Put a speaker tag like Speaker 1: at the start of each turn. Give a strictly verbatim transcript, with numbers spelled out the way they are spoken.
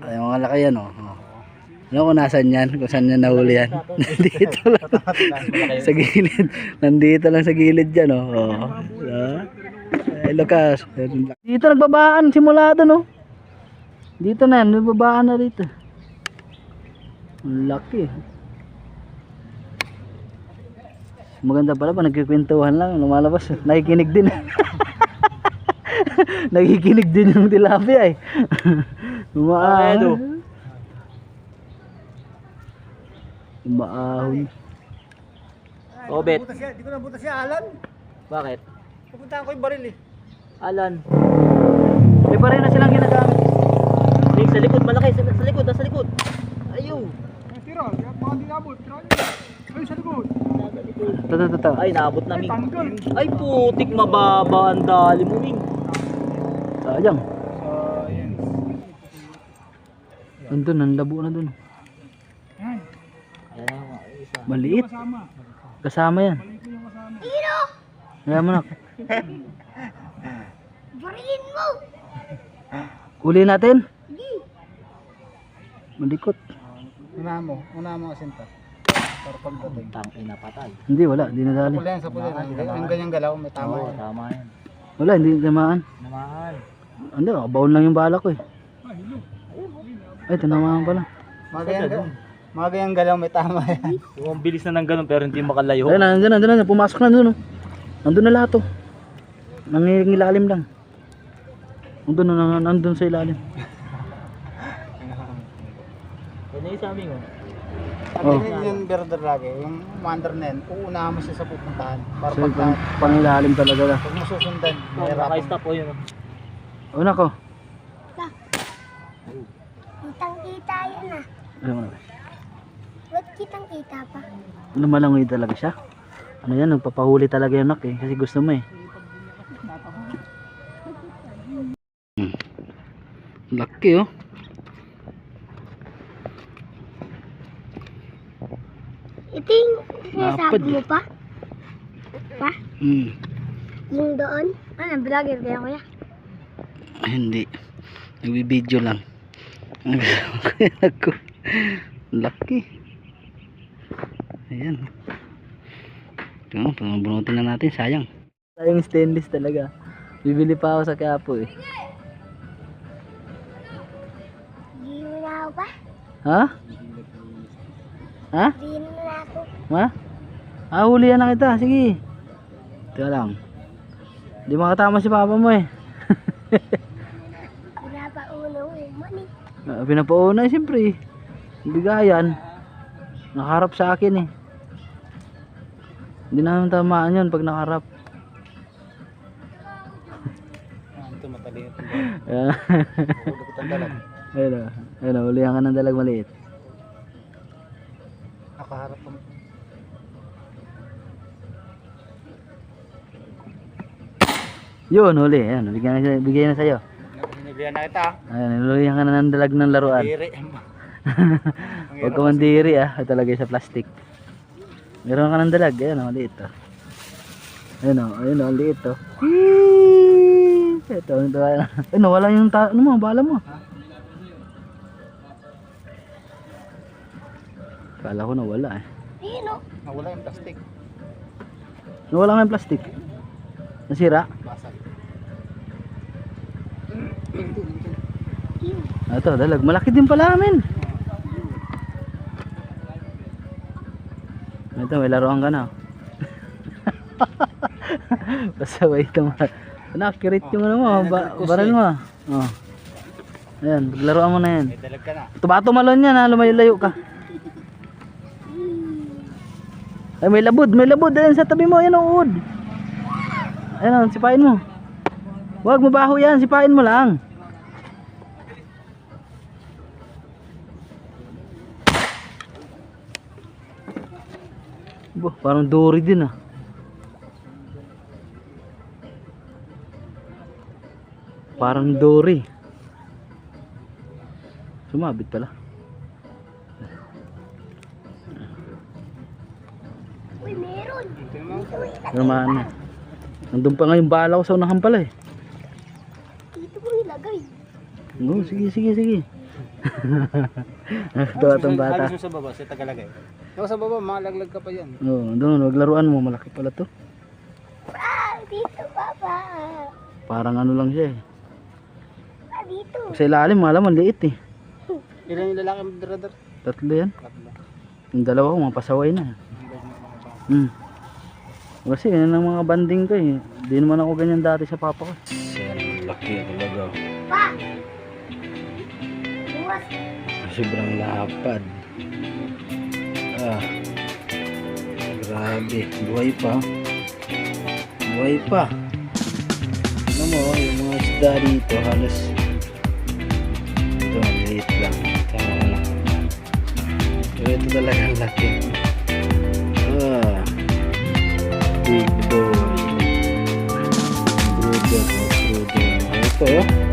Speaker 1: Ay, mga laki yan, oh. Oh. Ano kung nasan yan? Kung saan yan nahuli yan? Nandito lang. Sa gilid. Nandito lang sa gilid yan, oh. Oh. So, ay, Lucas. Dito nagbabaan. Simula doon, oh. Dito na yan. Nagbabaan na dito. Ang laki. Maganda pala pa. Nagkikwentuhan lang. Lumalabas. Nakikinig din. Nakikinig din yung tilapia, eh. Umaahon. Umaahon.
Speaker 2: Oh, bet.
Speaker 3: Di ko nabuta siya, Alan.
Speaker 2: Bakit?
Speaker 3: Pupuntahan ko yung baril eh.
Speaker 2: Alan.
Speaker 1: May pa rin na silang ginagamit.
Speaker 2: Nick, sa likod, malaki. Sa, sa likod, nasa likod. Ayaw.
Speaker 3: Ay, tira. Baka di nabot. Tira nyo. Ay, sa likod.
Speaker 1: Ito, ito, ito.
Speaker 2: Ay, naabot na, Ming.
Speaker 3: Tanggal.
Speaker 2: Ay, putik, mababa ang dali mo, Ming.
Speaker 1: Sayang.
Speaker 3: Science.
Speaker 1: Andun, ang labo na dun.
Speaker 3: Yan.
Speaker 2: Ayan na, mga isa.
Speaker 1: Maliit.
Speaker 3: Kasama.
Speaker 1: Kasama yan.
Speaker 3: Maliit ko yung kasama.
Speaker 1: Kaya mo na.
Speaker 4: Barilin mo!
Speaker 1: Uli natin. Malikot.
Speaker 3: Una mo. Una mo asinta. Para pagdating.
Speaker 2: Tang ina patay.
Speaker 1: Hindi, wala. Hindi nadali.
Speaker 3: Pula yan, sa pula yan. Yung ganyang galaw, may tama
Speaker 2: Oo,
Speaker 3: yan.
Speaker 2: tama yan.
Speaker 1: Wala, hindi tamaan.
Speaker 2: Naman.
Speaker 1: Ano, nakabaon lang yung bala ko, eh. Ay, tinamaan pala.
Speaker 3: Mga ganyang galaw. Mga ganyang galaw, may tama yan.
Speaker 2: Yung ang bilis na ng ganun pero hindi makalayo.
Speaker 1: Ayun, nandun, nandun, nandun. Pumasok na dun, oh. Nandun na lahat, oh. Nangingilalim lang. Nandun, nandun, nandun sa ilalim.
Speaker 2: Ano yung sa amin, oh?
Speaker 3: At
Speaker 1: Oh.
Speaker 3: yun yung birder lagi. Yung commander na yan, uunahan mo siya sa pupuntahan. Para
Speaker 1: So,
Speaker 3: pagka,
Speaker 1: pang, pangilalim talaga na.
Speaker 3: pag mo susundan,
Speaker 2: Oh,
Speaker 3: mahirapan.
Speaker 2: naka-stop po yun, oh.
Speaker 1: Oh, nako.
Speaker 4: Kitang kita yan ah.
Speaker 1: Ano mo na?
Speaker 4: Ba't kitang kita pa?
Speaker 1: Lumalangoy talaga siya. Ano yan, nagpapahuli talaga yung nak, eh. Kasi gusto mo, eh. Hmm. Laki, oh.
Speaker 4: Ito yung
Speaker 1: Napad
Speaker 4: sinasabi mo
Speaker 1: eh.
Speaker 4: pa? Pa?
Speaker 1: Hmm.
Speaker 4: Yung doon? Ano, vlogger kaya kuya?
Speaker 1: Ay, hindi. Nagbibideo lang. Ako. Laki. Ayan. Ito, panabunutin na natin. Sayang. Sayang stainless talaga. Bibili pa ako sa Quiapo, eh.
Speaker 4: Hindi mo na ako pa?
Speaker 1: Ha? Ha?
Speaker 4: Hindi mo na ako.
Speaker 1: Ha? Ah, hulihan na kita. Sige. Teka lang. Hindi makatama si papa mo, eh.
Speaker 4: Pinapauna mo man eh.
Speaker 1: Ah, pinapauna, eh, siyempre. Bigayan. Nakaharap sa akin, eh. Hindi naman tamaan yun pag nakaharap.
Speaker 3: Ah, ito matalino.
Speaker 1: Ayan.
Speaker 3: Hulog ang dalag.
Speaker 1: Ayun o. Ayun o. Hulihan ka ng dalag maliit.
Speaker 3: Nakaharap mo.
Speaker 1: Yun, huli. Ayan. Bigyan na, bigyan na sa'yo.
Speaker 3: Hiniblihan na kita.
Speaker 1: Ayan. Hulihan ka na ng dalag ng laruan.
Speaker 3: Diri.
Speaker 1: Huwag ka mandiri, ah. Ito lagay sa plastic. Meron ka ng dalag. Ayan o. Maliit o. Ayun o. Ayun o. Maliit o. Ito. Ito. Ay, nawala yung ta ano mo, bala mo. Kala ko nawala, eh.
Speaker 4: Ayun o.
Speaker 3: Nawala yung plastic.
Speaker 1: Nawala nga yung plastic. Nasira.
Speaker 3: Basag.
Speaker 1: Ah, ito, dalag. Malaki din pala amin. Ito, may laruan ka na. Pasaway ito. Accurate yung ano mo. Ba baril mo. Oh. Ayan, paglaruan mo na yan.
Speaker 3: May dalag ka na.
Speaker 1: Tumato malon yan, ha. Lumayo-layo ka. Ay, may labod. May labod. Ayan, sa tabi mo. Ayan, ang uod. Ayan, sipain mo. Huwag mabaho yan. Sipain mo lang. Bo, parang dory din, ah. Parang dory. Sumabit pala.
Speaker 4: Uy, meron.
Speaker 1: Naman na. Nandun pa nga yung bala ko sa unahan pala, eh.
Speaker 4: Dito mo ilagay.
Speaker 1: Oo, sige, sige, sige. Nakatawa itong bata.
Speaker 3: Halos yung sa baba, sa Tagalagay. Yung sa baba, malaglag ka pa yan.
Speaker 1: Oo, doon, wag laruan mo. Malaki pala to.
Speaker 4: Ah, dito, Papa.
Speaker 1: Parang ano lang siya eh.
Speaker 4: Ah, dito.
Speaker 1: Sa ilalim, malaman, liit eh.
Speaker 3: Ilan yung lalaki mo, brother?
Speaker 1: Tatlo yan.
Speaker 3: Tatlo.
Speaker 1: Yung dalawa ko, mapasaway na. Hmm. Kasi yan ang mga banding ko eh. Hindi naman ako ganyan dati sa papa ko. Yan, laki talaga.
Speaker 4: Pa! Buwas.
Speaker 1: Sobrang lapad. Ah. Grabe. Buhay pa. Buhay pa. Ano mo, yung mga isda dito halos ito, maliit lang. Tama lang. Pero ito talagang laki. Ah. Big boy. Brother, brother. Ito oh.